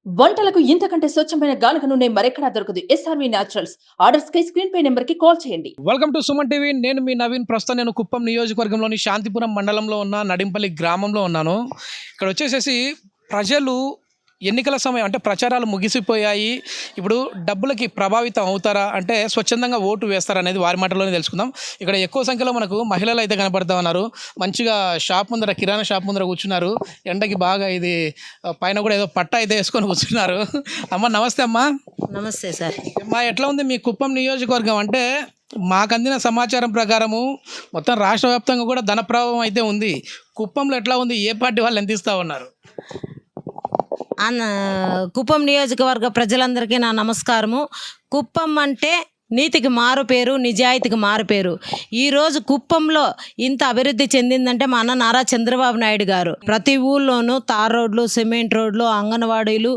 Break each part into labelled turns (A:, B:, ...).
A: వంటలకు ఇంతకంటే స్వచ్ఛమైన గానుగ నూనె మరెక్కడా దొరకదు. SRV naturals. ఆర్డర్స్ కై స్క్రీన్ పై నెంబర్ కి కాల్ చేయండి.
B: Welcome to Suman TV. నేను మీ నవీన్. ప్రస్తుతం నేను కుప్పం నియోజకవర్గంలోని శాంతిపురం మండలంలో ఉన్న నడింపల్లి గ్రామంలో ఉన్నాను. ఇక్కడ వచ్చేసేసి ప్రజలు ఎన్నికల సమయం అంటే ప్రచారాలు ముగిసిపోయాయి. ఇప్పుడు డబ్బులకి ప్రభావితం అవుతారా అంటే స్వచ్ఛందంగా ఓటు వేస్తారా అనేది వారి మాటలోనే తెలుసుకుందాం. ఇక్కడ ఎక్కువ సంఖ్యలో మనకు మహిళలు అయితే కనపడతా ఉన్నారు. మంచిగా షాప్ ముందర, కిరాణా షాప్ ముందర కూర్చున్నారు. ఎండకి బాగా ఇది పైన కూడా ఏదో పట్ట అయితే వేసుకొని కూర్చున్నారు. అమ్మ నమస్తే. అమ్మ
C: నమస్తే సార్.
B: అమ్మా ఎట్లా ఉంది మీ కుప్పం నియోజకవర్గం? అంటే మాకు అందిన సమాచారం ప్రకారము మొత్తం రాష్ట్ర వ్యాప్తంగా కూడా ధన ప్రభావం అయితే ఉంది. కుప్పంలో ఎట్లా ఉంది? ఏ పార్టీ వాళ్ళు ఎంత ఇస్తూ ఉన్నారు?
C: కుప్పం నియోజకవర్గ ప్రజలందరికీ నా నమస్కారము. కుప్పం అంటే నీతికి మారు పేరు, నిజాయితీకి మారు పేరు. ఈరోజు కుప్పంలో ఇంత అభివృద్ధి చెందిందంటే మా అన్న నారా చంద్రబాబు నాయుడు గారు. ప్రతి ఊళ్ళోనూ తార్ రోడ్లు, సిమెంట్ రోడ్లు, అంగన్వాడీలు,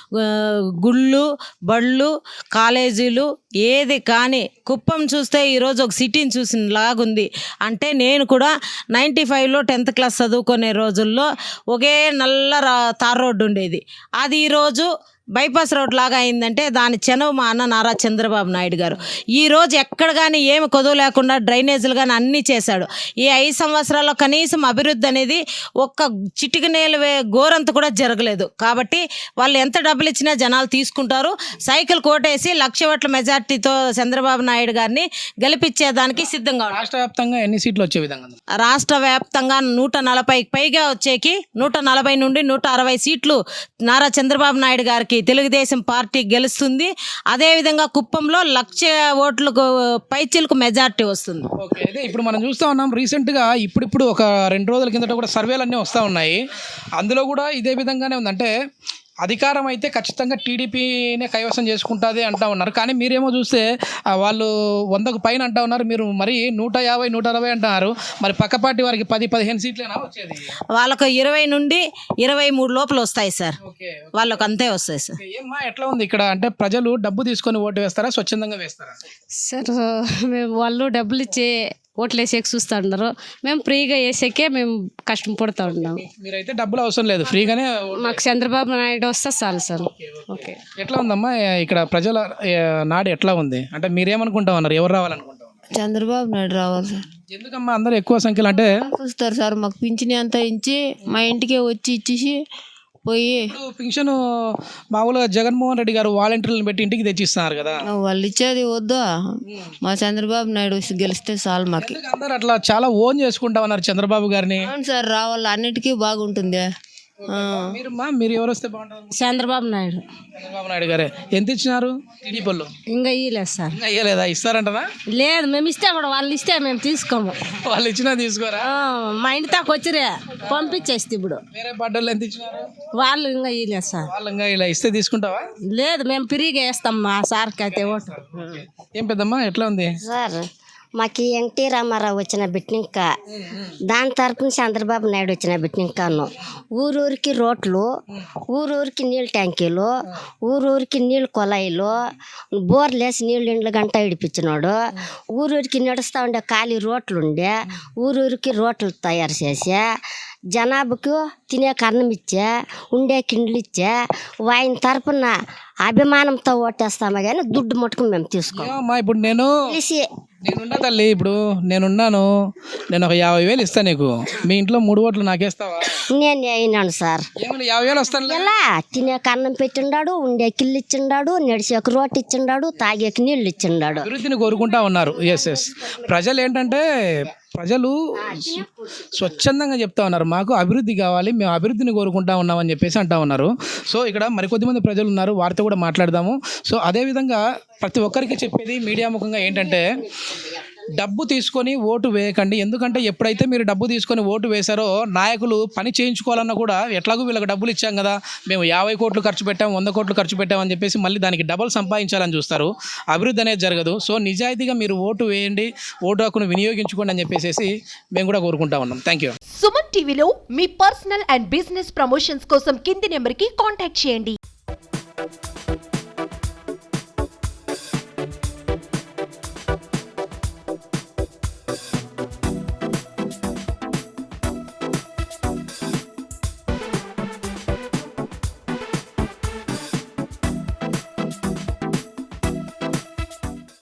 C: గుళ్ళు, బళ్ళు, కాలేజీలు ఏది కానీ కుప్పం చూస్తే ఈరోజు ఒక సిటీని చూసిన లాగుంది. అంటే నేను కూడా 95లో 10th క్లాస్ చదువుకునే రోజుల్లో ఒకే నల్ల తార్ రోడ్డు ఉండేది. అది ఈరోజు బైపాస్ రోడ్ లాగా అయిందంటే దాని చెనవు మా అన్న నారా చంద్రబాబు నాయుడు గారు. ఈరోజు ఎక్కడ కానీ ఏమి కొదువు లేకుండా డ్రైనేజీలు కానీ అన్నీ చేశాడు. ఈ 5 సంవత్సరాల్లో కనీసం అభివృద్ధి అనేది ఒక్క చిటికి నేల గోరంత కూడా జరగలేదు. కాబట్టి వాళ్ళు ఎంత డబ్బులు ఇచ్చినా జనాలు తీసుకుంటారు. సైకిల్ కోటేసి 1,00,000 ఓట్ల మెజార్టీతో చంద్రబాబు నాయుడు గారిని గెలిపించేదానికి సిద్ధంగా ఉన్నారు.
B: రాష్ట్ర వ్యాప్తంగా ఎన్ని సీట్లు వచ్చే విధంగా?
C: రాష్ట్ర వ్యాప్తంగా 140కి పైగా వచ్చేకి 140 నుండి 160 సీట్లు నారా చంద్రబాబు నాయుడు గారికి తెలుగుదేశం పార్టీ గెలుస్తుంది. అదేవిధంగా కుప్పంలో 1,00,000 ఓట్లకు పైచిలకు మెజార్టీ వస్తుంది.
B: ఓకే, అయితే ఇప్పుడు మనం చూస్తూ ఉన్నాం రీసెంట్గా ఇప్పుడు ఒక 2 రోజుల కిందట కూడా సర్వేలు అన్నీ వస్తూ ఉన్నాయి. అందులో కూడా ఇదే విధంగానే ఉందంటే అధికారం అయితే ఖచ్చితంగా టీడీపీనే కైవసం చేసుకుంటుంది అంటూ ఉన్నారు. కానీ మీరేమో చూస్తే వాళ్ళు 100కు పైన అంటూ ఉన్నారు. మీరు మరి 150, 160 అంటున్నారు. మరి పక్క పార్టీ వారికి 10-15 సీట్లేనా వచ్చేది?
C: వాళ్ళకు 20 నుండి 23 లోపల వస్తాయి సార్.
B: ఓకే,
C: వాళ్ళకు అంతే వస్తాయి సార్.
B: ఏమ్మా ఎట్లా ఉంది ఇక్కడ? అంటే ప్రజలు డబ్బు తీసుకొని ఓటు వేస్తారా, స్వచ్ఛందంగా వేస్తారా?
D: సార్ మేము వాళ్ళు డబ్బులు ఇచ్చే ఓట్లు వేసేకి చూస్తూ ఉన్నారు. మేము ఫ్రీగా వేసేకే మేము కష్టం పడుతూ ఉన్నాము.
B: మీరైతే డబ్బులు అవసరం లేదు, ఫ్రీగానే
D: మాకు చంద్రబాబు నాయుడు వస్తే చాలు సార్. ఓకే,
B: ఎట్లా ఉందమ్మా ఇక్కడ ప్రజల నాడు ఎట్లా ఉంది? అంటే మీరేమనుకుంటా ఉన్నారు? ఎవరు రావాలనుకుంటా ఉన్నారు?
E: చంద్రబాబు నాయుడు రావాలి సార్.
B: ఎందుకమ్మా అందరూ ఎక్కువ సంఖ్యలో? అంటే
E: వస్తారు సార్, మాకు పింఛని అంతా ఇచ్చి మా ఇంటికే వచ్చి ఇచ్చేసి పోయి
B: పింఛను మామూలుగా జగన్మోహన్ రెడ్డి గారు వాలంటీర్లను పెట్టి ఇంటికి తెచ్చిస్తున్నారు కదా.
E: వాళ్ళు ఇచ్చేది వద్దా, మా చంద్రబాబు నాయుడు గెలిస్తే చాలు మాకు.
B: అందరు అట్లా చాలా ఓన్ చేసుకుంటా ఉన్నారు చంద్రబాబు గారిని.
E: అవును సార్, రావాలి, అన్నిటికీ బాగుంటుంది.
B: మీరు ఎవరు వస్తే బాగుంటారు?
D: చంద్రబాబు నాయుడు.
B: చంద్రబాబు నాయుడు గారే. ఎంత ఇచ్చినారు టీడీపీలో?
D: ఇంకా ఇవ్వలేదు సార్.
B: ఇంకా ఇవ్వలేదా? ఇస్తారంటనా?
D: లేదు, మేము ఇస్తే కూడా వాళ్ళు ఇస్తే మేము తీసుకోము.
B: వాళ్ళు ఇచ్చినా తీసుకోరా?
D: మా ఇంటి దాకా వచ్చిరే పంపించేస్తే ఇప్పుడు
B: వేరే పార్టీలు ఎంత ఇచ్చినారు?
D: వాళ్ళు ఇంకా ఇవ్వలేదు సార్.
B: వాళ్ళు ఇంకా ఇలా ఇస్తే తీసుకుంటావా?
D: లేదు, మేము ఫ్రీగా వేస్తాం మా సార్కి అయితే ఓటు.
B: ఏం పెద్దమ్మా ఎట్లా ఉంది?
F: సార్ మాకు ఎన్టీ రామారావు వచ్చిన బిట్నింక, దాని తరపున చంద్రబాబు నాయుడు వచ్చిన బిట్నింకాను. ఊరూరికి రోడ్లు, ఊరూరికి నీళ్ళ ట్యాంకీలు, ఊరూరికి నీళ్ళు కొలాయిలు, బోర్లేసి నీళ్ళు ఇండ్ల గంట ఇడిపించినాడు. ఊరూరికి నడుస్తూ ఉండే ఖాళీ రోడ్లు ఉండే ఊరూరికి రోడ్లు తయారు చేసే, జనాభాకు తినే కన్నం ఇచ్చే, ఉండే కిండ్లు ఇచ్చే, ఆయన తరపున అభిమానంతో ఓటేస్తామా కానీ దుడ్డు మట్టుకు మేము తీసుకోమా.
B: ఇప్పుడు నేనున్నా తల్లి, ఇప్పుడు నేనున్నాను, నేను ఒక 50,000 ఇస్తాను నీకు. మీ ఇంట్లో 3 ఓట్లు నాకేస్తావా?
F: నేను అయినాను సార్.
B: 50,000 వస్తాను.
F: ఎలా తినే కన్నం పెట్టిండాడు, ఉండే కిల్లు ఇచ్చిండాడు, నడిచేకి రోడ్డు ఇచ్చిండాడు, తాగేకి నీళ్ళు ఇచ్చిండాడు.
B: అభివృద్ధిని కోరుకుంటా ఉన్నారు. ఎస్ ప్రజలు ఏంటంటే ప్రజలు స్వచ్ఛందంగా చెప్తా ఉన్నారు, మాకు అభివృద్ధి కావాలి, మేము అభివృద్ధిని కోరుకుంటా ఉన్నామని చెప్పేసి అంటా ఉన్నారు. సో ఇక్కడ మరికొద్దిమంది ప్రజలు ఉన్నారు, వారితో కూడా మాట్లాడదాము. సో అదేవిధంగా ప్రతి ఒక్కరికి చెప్పేది మీడియా ముఖంగా ఏంటంటే డబ్బు తీసుకొని ఓటు వేయకండి. ఎందుకంటే ఎప్పుడైతే మీరు డబ్బు తీసుకొని ఓటు వేశారో నాయకులు పని చేయించుకోవాలన్నా కూడా ఎట్లాగో వీళ్ళకి డబ్బులు ఇచ్చాం కదా, మేము 50 కోట్లు ఖర్చు పెట్టాం, 100 కోట్లు ఖర్చు పెట్టామని చెప్పేసి మళ్ళీ దానికి డబల్ సంపాదించాలని చూస్తారు. అభివృద్ధి అనేది జరగదు. సో నిజాయితీగా మీరు ఓటు వేయండి, ఓటు హక్కును వినియోగించుకోండి అని చెప్పేసి మేము కూడా కోరుకుంటా ఉన్నాం. Thank you.
G: సుమన్ టీవీలో మీ పర్సనల్ అండ్ బిజినెస్ ప్రమోషన్స్ కోసం కింది నెంబర్కి కాంటాక్ట్ చేయండి.